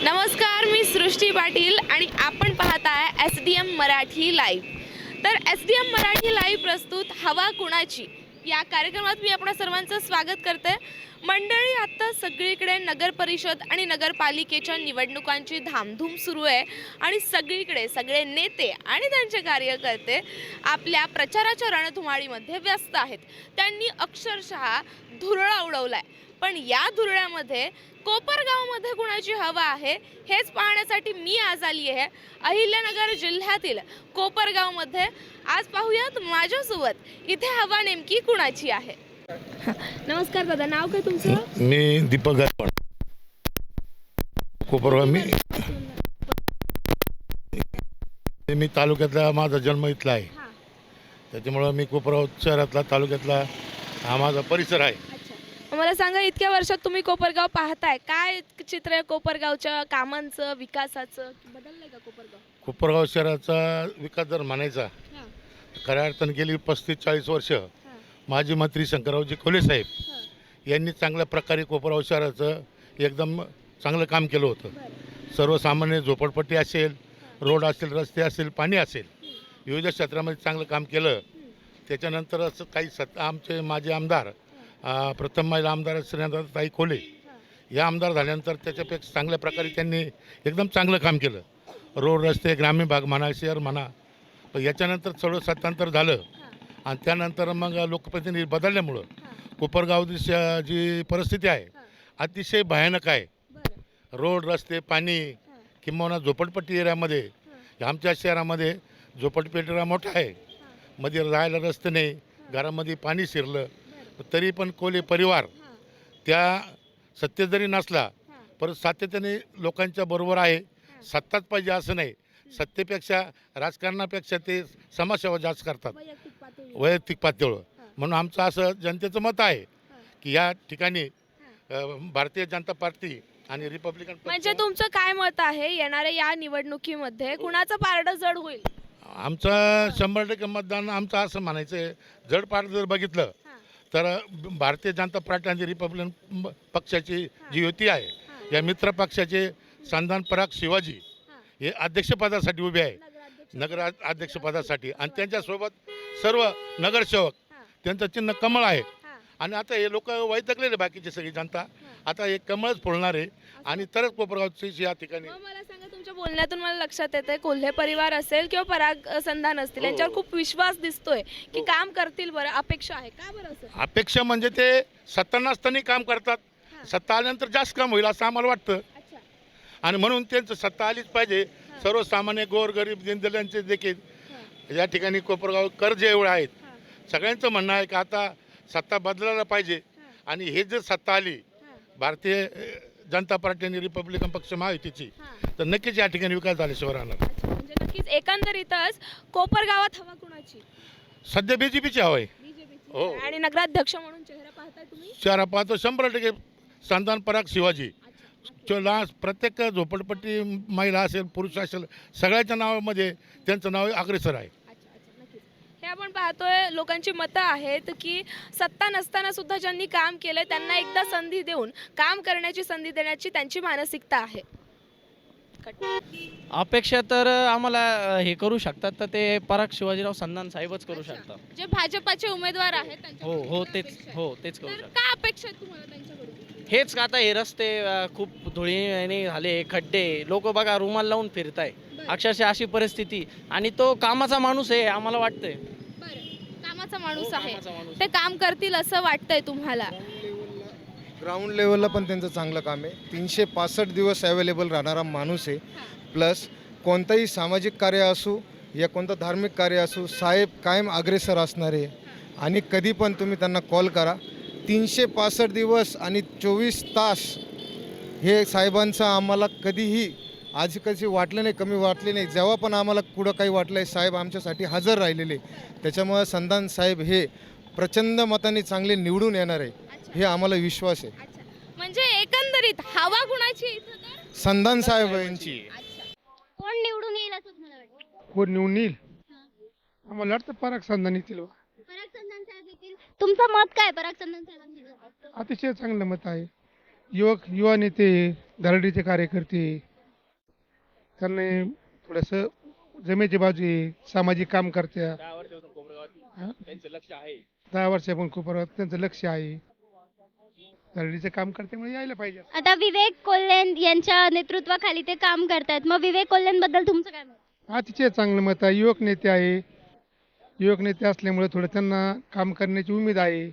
नमस्कार, मी सृष्टी पाटील आणि आपण पाहत आहे SDM मराठी लाईव्ह। तर SDM मराठी लाईव्ह प्रस्तुत हवा कुणाची या कार्यक्रमात मी आपणा सर्वांचं स्वागत करते। मंडळी, आता सगळीकडे नगर परिषद आणि नगरपालिकेच्या निवडणुकांची धामधूम सुरू आहे आणि सगळीकडे सगळे नेते आणि त्यांचे कार्यकर्ते आपल्या प्रचाराच्या रणधुमाळीमध्ये व्यस्त आहेत। त्यांनी अक्षरशः धुरळा उडवलाय, पण या धुरळ्यामध्ये कोपरगावमध्ये कुणाची हवा आहे हेच पाहण्यासाठी मी आज आली आहे अहिल्यानगर जिल्ह्यातील कोपरगावमध्ये। आज पाहूयात माझ्यासोबत इथे हवा नेमकी कुणाची आहे। नमस्कार दादा, नाव काय तुमचं? मी दीपक गायकवाड, कोपरगाव। मी तालुक्यातला, माझा जन्म इथला आहे, त्याच्यामुळं मी कोपरगाव शहरातला, तालुक्यातला हा माझा परिसर आहे। मला सांगा, इतक्या वर्षात तुम्ही कोपरगाव पाहताय, काय चित्र आहे कोपरगावच्या कामांचं, विकासाचं? बदललंय का कोपरगाव? कोपरगाव शहराचा विकास जर म्हणायचा खऱ्या अर्थानं गेली 35-40 वर्ष माजी मंत्री शंकररावजी खोले साहेब यांनी चांगल्या प्रकारे कोपरगाव शहराचं एकदम चांगलं काम केलं होतं। सर्वसामान्य झोपडपट्टी असेल, रोड असेल, रस्ते असेल, पाणी असेल, विविध क्षेत्रामध्ये चांगलं काम केलं। त्याच्यानंतर असं काही आमचे माजी आमदार, प्रथम महिला आमदार श्रीनाथताई खोले या आमदार झाल्यानंतर त्याच्यापेक्षा चांगल्या प्रकारे त्यांनी एकदम चांगलं काम केलं। रोड, रस्ते, ग्रामीण भाग म्हणा, शहर म्हणा। पण याच्यानंतर थोडं सत्तांतर झालं आणि त्यानंतर मग लोकप्रतिनिधी बदलल्यामुळं कोपरगावची जी परिस्थिती आहे अतिशय भयानक आहे। रोड, रस्ते, पाणी, किंवा झोपडपट्टी एरियामध्ये, आमच्या शहरामध्ये झोपडपट्टी एरिया मोठा आहे, मध्ये राहायला रस्ते नाही, घरामध्ये पाणी शिरलं, तरी पण कोले परिवार त्या सत्तेत जरी नसला परत सातत्याने लोकांच्या बरोबर आहे। सत्ताच पाहिजे असं नाही, सत्तेपेक्षा, राजकारणापेक्षा ते समाजसेवा जास्त करतात, वैयक्तिक पातळीवर। म्हणून आमचं असं जनतेचं मत आहे की या ठिकाणी भारतीय जनता पार्टी आणि रिपब्लिकन म्हणजे तुमचं काय मत आहे, येणाऱ्या या निवडणुकीमध्ये कुणाचं पारडं जड होईल? आमचं 100% मतदान आमचं असं म्हणायचं आहे, जड पारडं जर बघितलं तर भारतीय जनता पार्टी आणि रिपब्लिकन पक्षाची जी युती आहे, या मित्र पक्षाचे संधान पराग शिवाजी हे अध्यक्षपदासाठी उभे आहे, नगर अध्यक्षपदासाठी, आणि त्यांच्यासोबत सर्व नगरसेवक, त्यांचं चिन्ह कमळ आहे। आणि आता हे लोक वैतकलेले, बाकीचे सगळी जनता आता हे कमळच फोडणार आहे आणि तरच कोपरगावची या ठिकाणी। मला सांगा, तुमच्या बोलण्यातून मला लक्षात येतंय कोल्हे परिवार असेल किंवा पराग संधान असतील, यांच्यावर खूप विश्वास दिसतोय की काम करतील, बरं अपेक्षा आहे का? बरं असं अपेक्षा म्हणजे ते सत्ता नसताना काम करतात, सत्ता आल्यानंतर जास्त काम होईल असं आम्हाला वाटतं, आणि म्हणून त्यांचं सत्ता आलीच पाहिजे। सर्वसामान्य गोरगरीब दीनदलितांचे देखील या ठिकाणी कोपरगाव कर्ज एवढे आहेत, सगळ्यांचं म्हणणं आहे की आता सत्ता बदलायला पाहिजे, आणि हे जर सत्ता आली भारतीय जनता पार्टी आणि रिपब्लिकन पक्ष महायुतीची, तर नक्कीच या ठिकाणी विकास झाल्याशिवाय राहणार। म्हणजे नक्कीच एकंदरीतच कोपरगावात हवा कुणाची? सध्या BJPची हवा आहे। हो, आणि नगराध्यक्ष म्हणून चेहरा पाहताय तुम्ही? चेहरा पाहतो 100% संधान पराग शिवाजी। प्रत्येक झोपडपट्टी महिला असेल, पुरुष असेल, सगळ्याच्या नावामध्ये त्यांचं नाव अग्रेसर आहे। हे आपण पाहतोय, लोकांची मतं आहेत की सत्ता नसताना सुद्धा ज्यांनी काम केलंय त्यांना एकदा संधी देऊन काम करण्याची संधी देण्याची त्यांची मानसिकता आहे। अपेक्षा तर आम्हाला हे करू शकतात, तर ते पराग शिवाजीराव संधान साहेबच करू शकतात। जे भाजपाचे उमेदवार आहेत तेच करू शकतात। काय अपेक्षा आहेत तुम्हाला त्यांच्याकडून? हेच आता हे रस्ते खूप धुळीने झाले, खड्डे, लोक बघा रुमाल लावून फिरताय, अक्षरशः अशी परिस्थिती, आणि तो कामाचा माणूस आहे आम्हाला वाटतंय। कामाचा माणूस आहे, ते काम करतील असं वाटतंय तुम्हाला? ग्राउंड लेवलला पण त्यांचं चांगलं काम आहे, 365 दिवस अवेलेबल राहणारा माणूस आहे। प्लस कोणतंही सामाजिक कार्य असू या कोणतं धार्मिक कार्य असू, साहेब कायम अग्रेसर असणारे, आणि कधी पण तुम्ही त्यांना कॉल करा, 365 दिवस आणि 24 तास हे साहेबांचं आम्हाला कधीही आज कशी वाटलं नाही, कमी वाटले नाही। जेव्हा पण आम्हाला कुठं काही वाटलं आहे, साहेब आमच्यासाठी हजर राहिलेले, त्याच्यामुळे संधान साहेब हे प्रचंड मताने चांगले निवडून येणार आहे, हे आम्हाला विश्वास आहे। म्हणजे एकंदरीत हवा कुणाची? संधान साहेब यांची। कोण निवडून येईल असं मला वाटतं? कोण निवडून येईल? आम्हाला वाटतं पराग संधान येतील। पराग संधान साहेब येतील। तुमचं मत काय पराग संधान साहेबांचं? अतिशय चांगलं मत आहे। युवा नेते, धरडीचे कार्यकर्ते, त्यांनी थोडंसं जमेची बाजू आहे, सामाजिक काम करत्या. 10 वर्षापासून खूप त्यांचं लक्ष आहे. दरडीचं काम करते यायला पाहिजे. आता विवेक कोल्हे यांच्या नेतृत्वाखाली ते काम करतायत, मग विवेक कोल्हेंबद्दल तुमचं काय मत? अतिशय चांगलं मत आहे. युवक नेते आहे. युवक नेते असल्यामुळे थोडं त्यांना काम करण्याची उमेद आहे.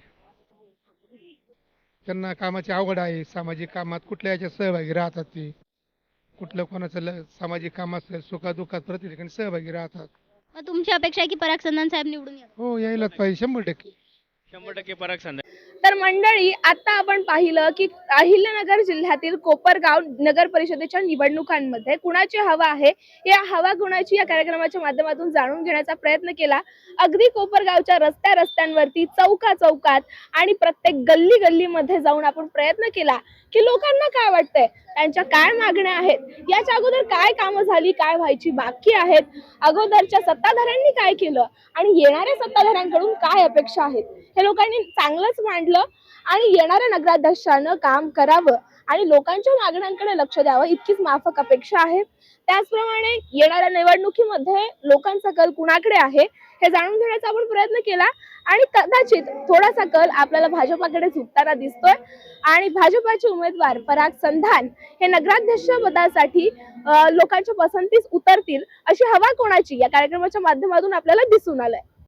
त्यांना कामाची आवड आहे. सामाजिक कामात कुठल्या याच्यात सहभागी राहतात ते. कुठलं कोणाचं सामाजिक काम असेल सुखादुखात प्रत्येक ठिकाणी सहभागी राहतात. मग तुमची अपेक्षा आहे की पराग चंदन साहेब निवडून या? हो यायलाच पाहिजे 100%. 100% पराग संधान. तर मंडळी, आता आपण पाहिलं की अहिल्यानगर जिल्ह्यातील कोपरगाव नगर परिषदेच्या निवडणुकांमध्ये कुणाची हवा आहे, या हवा कुणाची या कार्यक्रमाच्या माध्यमातून जाणून घेण्याचा प्रयत्न केला. अगदी कोपरगावच्या रस्त्यांवरती, चौकात आणि प्रत्येक गल्लीमध्ये जाऊन आपण प्रयत्न केला की लोकांना काय वाटतंय, त्यांच्या काय मागण्या आहेत, याच्या अगोदर काय कामं झाली, काय व्हायची बाकी आहेत, अगोदरच्या सत्ताधाऱ्यांनी काय केलं आणि येणाऱ्या सत्ताधाऱ्यांकडून काय अपेक्षा आहेत, हे लोकांनी चांगलंच मांडलं. आणि येणाऱ्या नगराध्यक्षानं काम करावं आणि लोकांच्या मागण्यांकडे लक्ष द्यावं, इतकीच माफक अपेक्षा आहे. त्याचप्रमाणे येणाऱ्या निवडणुकीमध्ये लोकांचा कल कुणाकडे आहे हे जाणून घेण्याचा आपण प्रयत्न केला आणि कदाचित थोडासा कल आपल्याला भाजपाकडे झुकताना दिसतोय आणि भाजपाचे उमेदवार पराग संधान हे नगराध्यक्ष पदासाठी लोकांच्या पसंतीस उतरतील अशी हवा कोणाची या कार्यक्रमाच्या माध्यमातून आपल्याला दिसून आलंय.